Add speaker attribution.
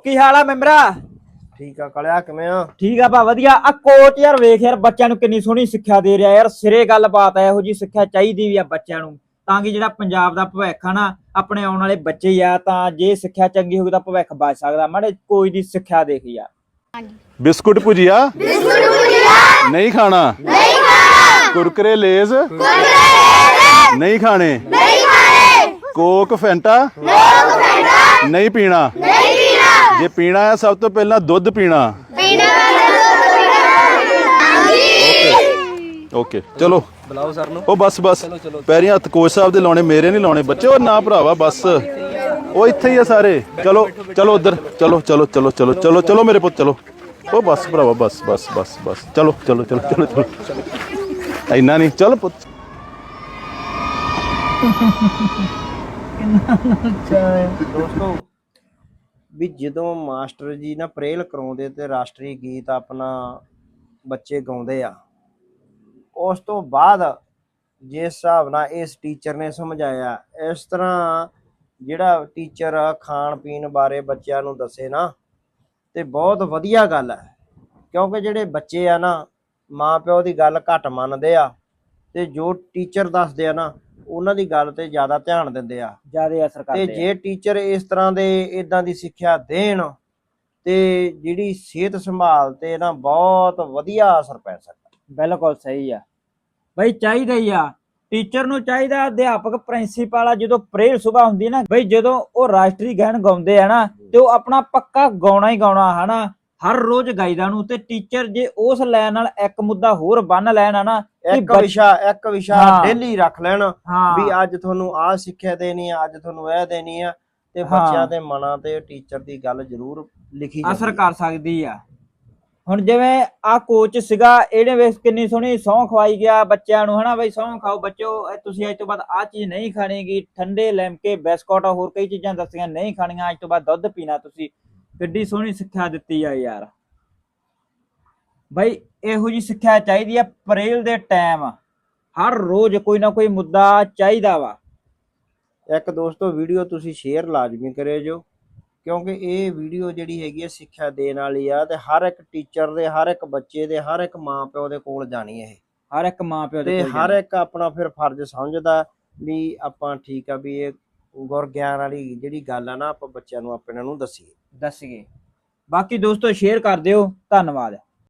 Speaker 1: ਕੀ ਹਾਲ ਆ ਮੈਂਬਰਾ?
Speaker 2: ਠੀਕ ਆ ਕਲਿਆ ਕਿਵੇਂ ਆ?
Speaker 1: ਠੀਕ ਆ ਭਾ ਵਧੀਆ। ਆ ਕੋਚ ਯਾਰ ਵੇਖ ਯਾਰ ਬੱਚਿਆਂ ਨੂੰ ਕਿੰਨੀ ਸੋਹਣੀ ਸਿੱਖਿਆ ਦੇ ਰਿਹਾ ਯਾਰ। ਸਿਰੇ ਗੱਲਬਾਤ ਹੈ, ਇਹੋ ਜੀ ਸਿੱਖਿਆ ਚਾਹੀਦੀ ਵੀ ਆ ਬੱਚਿਆਂ ਨੂੰ, ਤਾਂ ਕਿ ਜਿਹੜਾ ਪੰਜਾਬ ਦਾ ਭਵਿੱਖ ਆ ਨਾ, ਆਪਣੇ ਆਉਣ ਵਾਲੇ ਬੱਚੇ ਆ, ਤਾਂ ਜੇ ਸਿੱਖਿਆ ਚੰਗੀ ਹੋਊਗੀ ਤਾਂ ਭਵਿੱਖ ਬਚ ਸਕਦਾ। ਮਾੜੇ ਕੋਈ ਦੀ ਸਿੱਖਿਆ ਦੇਖ ਯਾਰ।
Speaker 3: ਬਿਸਕੁਟ ਭੁਜੀਆ ਨਹੀਂ ਖਾਣਾ, ਕੁਰਕਰੇ ਲੇਜ਼ ਨਹੀਂ ਖਾਣੇ, ਕੋਕ ਫੈਂਟਾ ਨਹੀਂ ਪੀਣਾ। ਜੇ ਪੀਣਾ ਹੈ ਸਭ ਤੋਂ ਪਹਿਲਾਂ ਦੁੱਧ ਪੀਣਾ। ਓਕੇ ਚਲੋ
Speaker 2: ਬੁਲਾਓ ਸਰ ਨੂੰ।
Speaker 3: ਉਹ ਬਸ ਪੈਰੀਂ ਹੱਥ ਕੋਚ ਸਾਹਿਬ ਦੇ ਲਾਉਣੇ, ਮੇਰੇ ਨਹੀਂ ਲਾਉਣੇ ਬੱਚੇ। ਉਹ ਨਾ ਭਰਾਵਾ ਬਸ, ਉਹ ਇੱਥੇ ਹੀ ਆ ਸਾਰੇ। ਚਲੋ ਉਧਰ ਚਲੋ ਮੇਰੇ ਪੁੱਤ ਚਲੋ। ਉਹ ਬਸ ਭਰਾਵਾ ਬਸ ਚਲੋ ਇੰਨਾ ਨਹੀਂ, ਚਲ ਪੁੱਤ।
Speaker 2: ਦੋਸਤੋ ਵੀ ਜਦੋਂ ਮਾਸਟਰ ਜੀ ਨਾ ਪ੍ਰੇਲ ਕਰਾਉਂਦੇ ਤੇ ਰਾਸ਼ਟਰੀ ਗੀਤ ਆਪਣਾ ਬੱਚੇ ਗਾਉਂਦੇ ਆ, ਉਸ ਤੋਂ ਬਾਅਦ ਜਿਸ ਹਿਸਾਬ ਨਾਲ ਇਸ ਟੀਚਰ ਨੇ ਸਮਝਾਇਆ, ਇਸ ਤਰ੍ਹਾਂ ਜਿਹੜਾ ਟੀਚਰ ਖਾਣ ਪੀਣ ਬਾਰੇ ਬੱਚਿਆਂ ਨੂੰ ਦੱਸੇ ਨਾ, ਤੇ ਬਹੁਤ ਵਧੀਆ ਗੱਲ ਹੈ। ਕਿਉਂਕਿ ਜਿਹੜੇ ਬੱਚੇ ਆ ਨਾ, ਮਾਂ ਪਿਓ ਦੀ ਗੱਲ ਘੱਟ ਮੰਨਦੇ ਆ, ਤੇ ਜੋ ਟੀਚਰ ਦੱਸਦੇ ਆ ਨਾ ਉਹਨਾਂ ਦੀ ਗੱਲ ਤੇ ਜ਼ਿਆਦਾ ਧਿਆਨ ਦਿੰਦੇ ਆ,
Speaker 1: ਜ਼ਿਆਦਾ ਅਸਰ ਕਰਦੇ।
Speaker 2: ਤੇ ਜੇ ਟੀਚਰ ਇਸ ਤਰ੍ਹਾਂ ਦੇ ਇਦਾਂ ਦੀ ਸਿੱਖਿਆ ਦੇਣ ਤੇ ਜਿਹੜੀ ਸਿਹਤ ਸੰਭਾਲ ਤੇ ਨਾ ਬਹੁਤ ਵਧੀਆ ਅਸਰ ਪੈ ਸਕਦਾ।
Speaker 1: ਬਿਲਕੁਲ ਸਹੀ ਆ ਬਈ, ਚਾਹੀਦਾ ਹੀ ਆ ਟੀਚਰ ਨੂੰ, ਚਾਹੀਦਾ ਅਧਿਆਪਕ ਪ੍ਰਿੰਸੀਪਲ ਆ। ਜਦੋਂ ਪ੍ਰੇਅਰ ਸੁਬਾ ਹੁੰਦੀ ਨਾ ਬਈ, ਜਦੋਂ ਉਹ ਰਾਸ਼ਟਰੀ ਗਾਇਨ ਗਾਉਂਦੇ ਆ ਨਾ, ਤੇ ਉਹ ਆਪਣਾ ਪੱਕਾ ਗਾਉਣਾ ਹੀ ਗਾਉਣਾ ਹਨਾ, ਹਰ ਰੋਜ਼ ਗਾਈਦਾ ਨੂੰ। ਤੇ ਟੀਚਰ ਜੇ ਉਸ ਲਾਈਨ ਨਾਲ ਇੱਕ ਮੁੱਦਾ ਹੋਰ ਬੰਨ ਲੈਣ ਨਾ,
Speaker 2: ਇੱਕ ਵਿਸ਼ਾ ਡੇਲੀ ਰੱਖ ਲੈਣ ਵੀ ਅੱਜ ਤੁਹਾਨੂੰ ਆਹ ਸਿੱਖਿਆ ਦੇਣੀ ਆ, ਅੱਜ ਤੁਹਾਨੂੰ ਇਹ ਦੇਣੀ ਆ, ਤੇ ਬੱਚਿਆਂ ਦੇ ਮਨਾਂ ਤੇ ਟੀਚਰ ਦੀ ਗੱਲ ਜ਼ਰੂਰ ਲਿਖੀ
Speaker 1: ਅਸਰ ਕਰ ਸਕਦੀ ਆ। ਹੁਣ ਜਿਵੇਂ ਆ ਕੋਚ ਸੀਗਾ, ਇਹਨੇ ਵੇਖ ਕਿੰਨੀ ਸੋਹਣੀ ਸਹੁੰ ਖਵਾਈ ਗਿਆ ਬੱਚਿਆਂ ਨੂੰ ਹਨਾ, ਬਈ ਸਹੁੰ ਖਾਓ ਬੱਚੋ, ਤੁਸੀਂ ਅੱਜ ਤੋਂ ਬਾਅਦ ਆਹ ਚੀਜ਼ ਨਹੀਂ ਖਾਣੀਗੀ, ਠੰਡੇ ਲਿਮਕੇ ਬਿਸਕੁਟ ਹੋਰ ਕਈ ਚੀਜ਼ਾਂ ਦੱਸੀਆਂ ਨਹੀਂ ਖਾਣੀਆਂ, ਅੱਜ ਤੋਂ ਬਾਅਦ ਦੁੱਧ ਪੀਣਾ ਤੁਸੀਂ। ਕਿੱਡੀ ਸੋਹਣੀ ਸਿੱਖਿਆ ਦਿੱਤੀ ਆ ਯਾਰ। ਬਈ ਇਹੋ ਜੀ ਸਿੱਖਿਆ ਚਾਹੀਦੀ ਆ ਪ੍ਰੇਲ ਦੇ ਟਾਈਮ, ਹਰ ਰੋਜ਼ ਕੋਈ ਨਾ ਕੋਈ ਮੁੱਦਾ ਚਾਹੀਦਾ ਵਾ।
Speaker 2: ਇੱਕ ਦੋਸਤੋ ਵੀਡੀਓ ਤੁਸੀਂ ਸ਼ੇਅਰ ਲਾਜ਼ਮੀ ਕਰਿਓ ਜੋ, ਕਿਉਂਕਿ ਇਹ ਵੀਡੀਓ ਜਿਹੜੀ ਹੈਗੀ ਹੈ ਸਿੱਖਿਆ ਦੇਣ ਵਾਲੀ ਆ, ਤੇ ਹਰ ਇੱਕ ਟੀਚਰ ਦੇ, ਹਰ ਇੱਕ ਬੱਚੇ ਦੇ, ਹਰ ਇੱਕ ਮਾਂ ਪਿਓ ਦੇ ਕੋਲ ਜਾਣੀ ਇਹ।
Speaker 1: ਹਰ ਇੱਕ ਮਾਂ ਪਿਓ ਦੇ
Speaker 2: ਤੇ
Speaker 1: ਕੋਲ
Speaker 2: ਹਰ ਇੱਕ ਆਪਣਾ ਫਿਰ ਫਰਜ਼ ਸਮਝਦਾ ਵੀ ਆਪਾਂ ਠੀਕ ਆ ਵੀ ਇਹ ਗੁਰ ਗਿਆਨ ਵਾਲੀ ਜਿਹੜੀ ਗੱਲ ਆ ਨਾ, ਆਪਾਂ ਬੱਚਿਆਂ ਨੂੰ ਆਪਣੇ ਨੂੰ ਦੱਸੀਏ।
Speaker 1: ਬਾਕੀ ਦੋਸਤੋ ਸ਼ੇਅਰ ਕਰ ਦਿਓ। ਧੰਨਵਾਦ।